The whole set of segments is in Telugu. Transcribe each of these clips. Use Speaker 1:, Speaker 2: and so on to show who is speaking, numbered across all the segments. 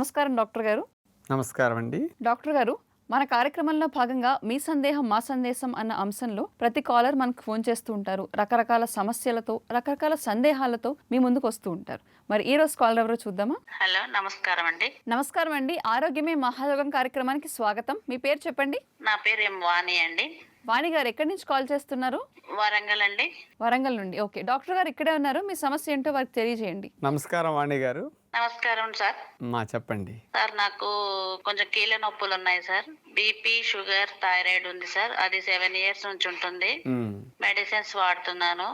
Speaker 1: నమస్కారం డాక్టర్ గారు.
Speaker 2: నమస్కారం అండి.
Speaker 1: డాక్టర్ గారు, మన కార్యక్రమంలో భాగంగా మీ సందేహం మా సందేశం అన్న అంశంలో ప్రతి కాలర్ మనకు ఫోన్ చేస్తూ ఉంటారు. రకరకాల సమస్యలతో, రకరకాల సందేహాలతో మీ ముందుకు వస్తూ ఉంటారు. మరి ఈ రోజు కాలర్ ఎవరో చూద్దామా?
Speaker 3: హలో, నమస్కారం అండి.
Speaker 1: నమస్కారం అండి. ఆరోగ్యమే మహాయోగం కార్యక్రమానికి స్వాగతం. మీ పేరు చెప్పండి.
Speaker 3: నా పేరు వాణి అండి.
Speaker 1: వాణి గారు ఎక్కడి నుంచి కాల్ చేస్తున్నారు?
Speaker 3: వరంగల్ అండి.
Speaker 1: వరంగల్ నుండి. ఓకే, డాక్టర్ గారు ఇక్కడే ఉన్నారు. మీ సమస్య ఏంటో వారికి తెలియజేయండి.
Speaker 2: నమస్కారం వాణి గారు.
Speaker 3: నమస్కారం సార్.
Speaker 2: చెప్పండి
Speaker 3: సార్, నాకు కొంచెం కీళ్ళ నొప్పులు ఉన్నాయి సార్. బీపీ, షుగర్, థైరాయిడ్ ఉంది సార్. అది 7 years నుంచి ఉంటుంది. మెడిసిన్స్ వాడుతున్నాను.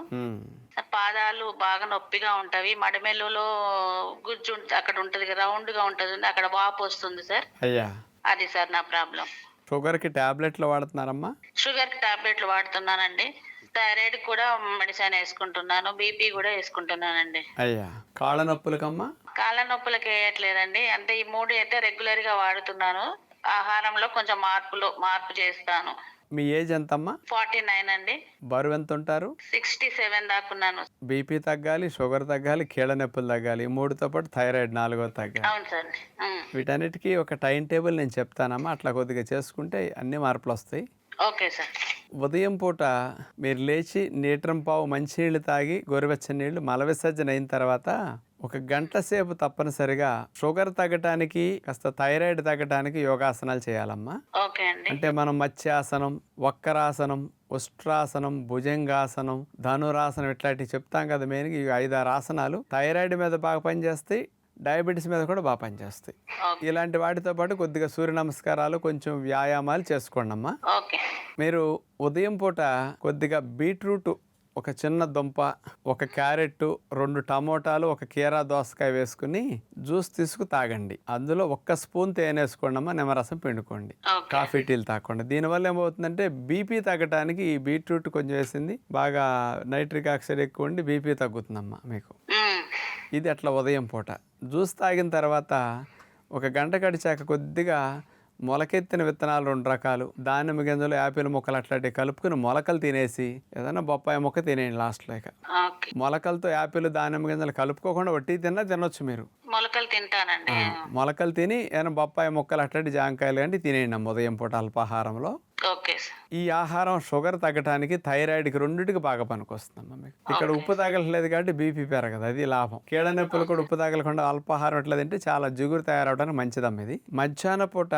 Speaker 3: పాదాలు బాగా నొప్పిగా ఉంటవి. మడమెల్లులో గుజ్జు అక్కడ ఉంటది, రౌండ్ గా ఉంటది, అక్కడ వాపు వస్తుంది సార్.
Speaker 2: అయ్యా,
Speaker 3: అది సార్ నా ప్రాబ్లం.
Speaker 2: షుగర్ కి టాబ్లెట్లు వాడుతున్నారమ్మా?
Speaker 3: షుగర్ కి టాబ్లెట్లు వాడుతున్నానండి. థైరాయిడ్ కూడా మెడిసిన్ వేసుకుంటున్నాను. బీపీ కూడా వేసుకుంటున్నానండి.
Speaker 2: అయ్యా, కాళ్ళ నొప్పులకమ్మా?
Speaker 3: కాళ్ళ నొప్పులకి వేయట్లేదండి. అంటే ఈ 3 అయితే రెగ్యులర్ గా వాడుతున్నాను. ఆహారంలో కొంచెం మార్పు చేస్తాను.
Speaker 2: మీ ఏజ్ ఎంతమ్మా?
Speaker 3: 49 అండి.
Speaker 2: బరువు ఎంత ఉంటారు?
Speaker 3: 67 దాకున్నాను.
Speaker 2: బీపీ తగ్గాలి, షుగర్ తగ్గాలి, కీళ్ళ నొప్పులు తగ్గాలి, 3తో పాటు థైరాయిడ్ 4వ తగ్గాలి.
Speaker 3: అవును సార్.
Speaker 2: వీటన్నిటికీ ఒక టైం టేబుల్ నేను చెప్తానమ్మా. అట్లా కొద్దిగా చేసుకుంటే అన్ని మార్పులు వస్తాయి.
Speaker 3: Okay sir.
Speaker 2: ఉదయం పూట మీరు లేచి లీటర్ మంచినీళ్ళు తాగి గోరువెచ్చని నీళ్లు మల విసర్జన అయిన తర్వాత 1 గంట సేపు తప్పనిసరిగా షుగర్ తగ్గటానికి, కాస్త థైరాయిడ్ తగ్గటానికి యోగాసనాలు చేయాలమ్మా.
Speaker 3: ఓకే అండి.
Speaker 2: అంటే మనం మత్స్యాసనం, వక్రాసనం, ఉష్ట్రాసనం, భుజంగాసనం, ధనురాసనం ఇట్లాంటివి చెప్తాం కదా. మెయిన్గా ఈ 5-6 ఆసనాలు థైరాయిడ్ మీద బాగా పనిచేస్తాయి, డయాబెటీస్ మీద కూడా బాగా పనిచేస్తాయి. ఇలాంటి వాటితో పాటు కొద్దిగా సూర్య నమస్కారాలు, కొంచెం వ్యాయామాలు చేసుకోండి అమ్మా. మీరు ఉదయం పూట కొద్దిగా బీట్రూట్, ఒక చిన్న దుంప, 1 క్యారెట్, 2 టమోటాలు, 1 కీరా దోసకాయ వేసుకుని జ్యూస్ తీసుకు తాగండి. అందులో 1 స్పూన్ తేనె వేసుకోండి అమ్మా. నిమ్మరసం పిండుకోండి. కాఫీ టీలు తాగండి. దీనివల్ల ఏమవుతుందంటే బీపీ తగ్గడానికి ఈ బీట్రూట్ కొంచెం వేసింది బాగా నైట్రిక్ ఆక్సైడ్ ఎక్కువ ఉండి బీపీ తగ్గుతుందమ్మా మీకు. ఇది అట్లా ఉదయం పూట. జ్యూస్ తాగిన తర్వాత 1 గంట గడిచాక కొద్దిగా మొలకెత్తిన విత్తనాలు 2 రకాలు, దానిమ్మ గింజలు, యాపిల్ ముక్కలు అట్లాంటివి కలుపుకుని మొలకలు తినేసి ఏదైనా బొప్పాయి ముక్క తినేయండి లాస్ట్లో. ఇక మొలకలతో యాపిల్, దానిమ్మ గింజలు కలుపుకోకుండా వట్టి తినొచ్చు మీరు.
Speaker 3: మొలకలు తింటానండి.
Speaker 2: మొలకలు తిని ఏదైనా బొప్పాయి ముక్కలు అట్లాంటి జాంకాయలు అంటే తినేయండి ఉదయం పూట అల్పాహారంలో. ఈ ఆహారం షుగర్ తగ్గడానికి, థైరాయిడ్కి, రెండింటికి బాగా పనికొస్తుందమ్మా మీకు. ఇక్కడ ఉప్పు తగలట్లేదు కాబట్టి బీపీ పెరగదు, అది లాభం. కీళ్ళ నొప్పులు కూడా ఉప్పు తగలకుండా అల్పాహారం ఎట్లా తింటే చాలా జిగురు తయారవడానికి మంచిదమ్మా ఇది. మధ్యాహ్న పూట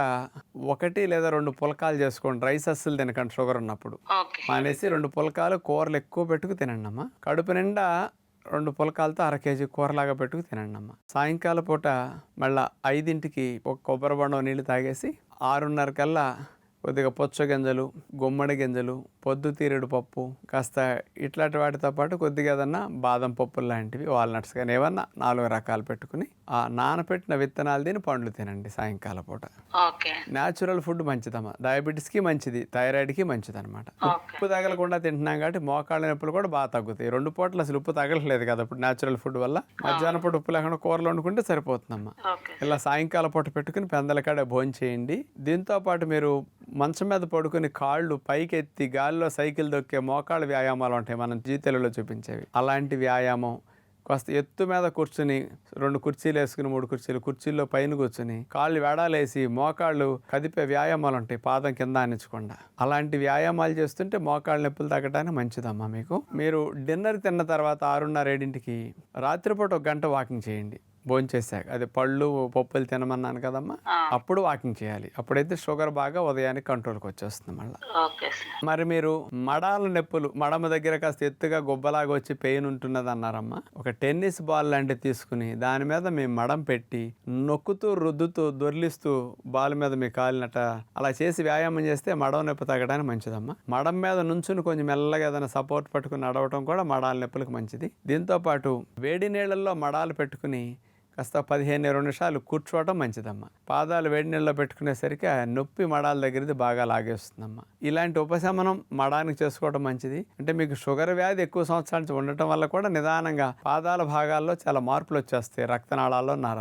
Speaker 2: 1 లేదా 2 పులకాలు చేసుకోండి. రైస్ అస్సలు తినకండి షుగర్ ఉన్నప్పుడు. మానేసి 2 పులకాలు, కూరలు ఎక్కువ పెట్టుకు తినండి అమ్మా. కడుపు నిండా 2 పులకాలతో 1/2 kg కూరలాగా పెట్టుకు తినండి అమ్మ. సాయంకాలం పూట మళ్ళీ 5ంటికి 1 కొబ్బరి బొండం నీళ్ళు తాగేసి 6:30 కల్లా కొద్దిగా పుచ్చగింజలు, గుమ్మడి గింజలు, పొద్దుతీరుడు పప్పు, కాస్త ఇట్లాంటి వాటితో పాటు కొద్దిగా ఏదన్నా బాదం పప్పులు లాంటివి, వాల్నట్స్ కానీ ఏమన్నా 4 రకాలు పెట్టుకుని ఆ నానపెట్టిన విత్తనాలు తిని పండ్లు తినండి సాయంకాలం పూట. న్యాచురల్ ఫుడ్ మంచిదమ్మా. డయాబెటీస్కి మంచిది, థైరాయిడ్కి మంచిది అనమాట. ఉప్పు తగలకుండా తింటున్నాం కాబట్టి మోకాళ్ళ నొప్పులు కూడా బాగా తగ్గుతాయి. 2 పూటలు అసలు ఉప్పు తగలట్లేదు కదా ఇప్పుడు న్యాచురల్ ఫుడ్ వల్ల. మధ్యాహ్నం పూట ఉప్పు లేకుండా కూరలు వండుకుంటే సరిపోతుందమ్మా. ఇలా సాయంకాలం పూట పెట్టుకుని పెందలకాడ భోజనం చేయండి. దీంతో పాటు మీరు మంచం మీద పడుకుని కాళ్ళు పైకెత్తి గాలిలో సైకిల్ దొక్కే మోకాళ్ళ వ్యాయామాలు ఉంటాయి మనం జీతెలలో చూపించేవి. అలాంటి వ్యాయామం, కాస్త ఎత్తు మీద కూర్చుని 2 కుర్చీలు వేసుకుని 3 కుర్చీలు, కుర్చీల్లో పైన కూర్చుని కాళ్ళు వేడాలేసి మోకాళ్ళు కదిపే వ్యాయామాలు ఉంటాయి, పాదం కింద ఆనించకుండా. అలాంటి వ్యాయామాలు చేస్తుంటే మోకాళ్ళ నొప్పులు తగ్గడానికి మంచిదమ్మా మీకు. మీరు డిన్నర్ తిన్న తర్వాత 6:30-7ంటికి రాత్రిపూట 1 గంట వాకింగ్ చేయండి. భోంచేసాక అది పళ్ళు, పప్పులు తినమన్నాను కదమ్మా, అప్పుడు వాకింగ్ చేయాలి. అప్పుడైతే షుగర్ బాగా ఉదయానికి కంట్రోల్కి వచ్చేస్తుంది మళ్ళీ. మరి మీరు మడాల నొప్పులు, మడమ దగ్గర కాస్త ఎత్తుగా గుబ్బలాగా వచ్చి పెయిన్ ఉంటున్నది అన్నారమ్మా. 1 టెన్నిస్ బాల్ లాంటివి తీసుకుని దాని మీద మీ మడం పెట్టి నొక్కుతూ, రుద్దుతూ, దొర్లిస్తూ బాల్ మీద మీ కాలినట అలా చేసి వ్యాయామం చేస్తే మడం నొప్పి తగ్గడానికి మంచిదమ్మా. మడం మీద నుంచుని కొంచెం మెల్లగా ఏదైనా సపోర్ట్ పట్టుకుని నడవటం కూడా మడాల నొప్పులకు మంచిది. దీంతో పాటు వేడి నీళ్ళల్లో మడాలు పెట్టుకుని కాస్త 15-20 నిమిషాలు కూర్చోవటం మంచిదమ్మా. పాదాలు వేడి నీళ్ళలో పెట్టుకునేసరికి ఆ నొప్పి మడాల దగ్గరది బాగా లాగేస్తుందమ్మా. ఇలాంటి ఉపశమనం మడానికి చేసుకోవడం మంచిది. అంటే మీకు షుగర్ వ్యాధి ఎక్కువ సంవత్సరాల నుంచి ఉండటం వల్ల కూడా నిదానంగా పాదాల భాగాల్లో చాలా మార్పులు వచ్చేస్తాయి, రక్తనాళాల్లో, నరాల్లో.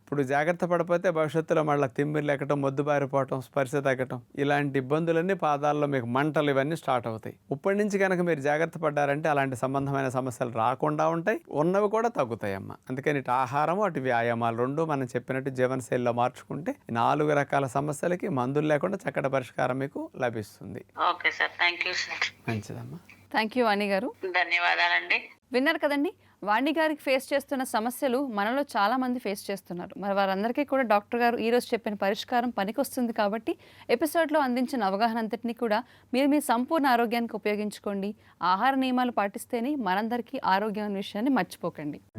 Speaker 2: ఇప్పుడు జాగ్రత్త పడిపోతే భవిష్యత్తులో మళ్ళీ తిమ్మిర్లు ఎక్కడం, మొద్దుబారిపోవటం, స్పర్శ తగ్గటం, ఇలాంటి ఇబ్బందులన్నీ పాదాల్లో మీకు మంటలు ఇవన్నీ స్టార్ట్ అవుతాయి. ఇప్పటి నుంచి కనుక మీరు జాగ్రత్త పడ్డారంటే అలాంటి సంబంధమైన సమస్యలు రాకుండా ఉంటాయి, ఉన్నవి కూడా తగ్గుతాయమ్మా. అందుకని ఇటు ఆహారము అటు వ్యాయామాలు రెండు మనం చెప్పినట్టు జీవనశైలిలో మార్చుకుంటే 4 రకాల సమస్యలకి మందులు లేకుండా చక్కటి పరిష్కారం మీకు లభిస్తుంది.
Speaker 3: Okay sir, thank you sir.
Speaker 2: మంచిదమ్మా.
Speaker 1: థ్యాంక్ యూ వాణి గారు.
Speaker 3: ధన్యవాదాలండి.
Speaker 1: విన్నారు కదండి, వాణి గారికి ఫేస్ చేస్తున్న సమస్యలు మనలో చాలా మంది ఫేస్ చేస్తున్నారు. మరి వారందరికీ కూడా డాక్టర్ గారు ఈరోజు చెప్పిన పరిష్కారం పనికొస్తుంది కాబట్టి ఎపిసోడ్లో అందించిన అవగాహన అంతటినీ కూడా మీరు మీ సంపూర్ణ ఆరోగ్యానికి ఉపయోగించుకోండి. ఆహార నియమాలు పాటిస్తేనే మనందరికీ ఆరోగ్యం అనే విషయాన్ని మర్చిపోకండి.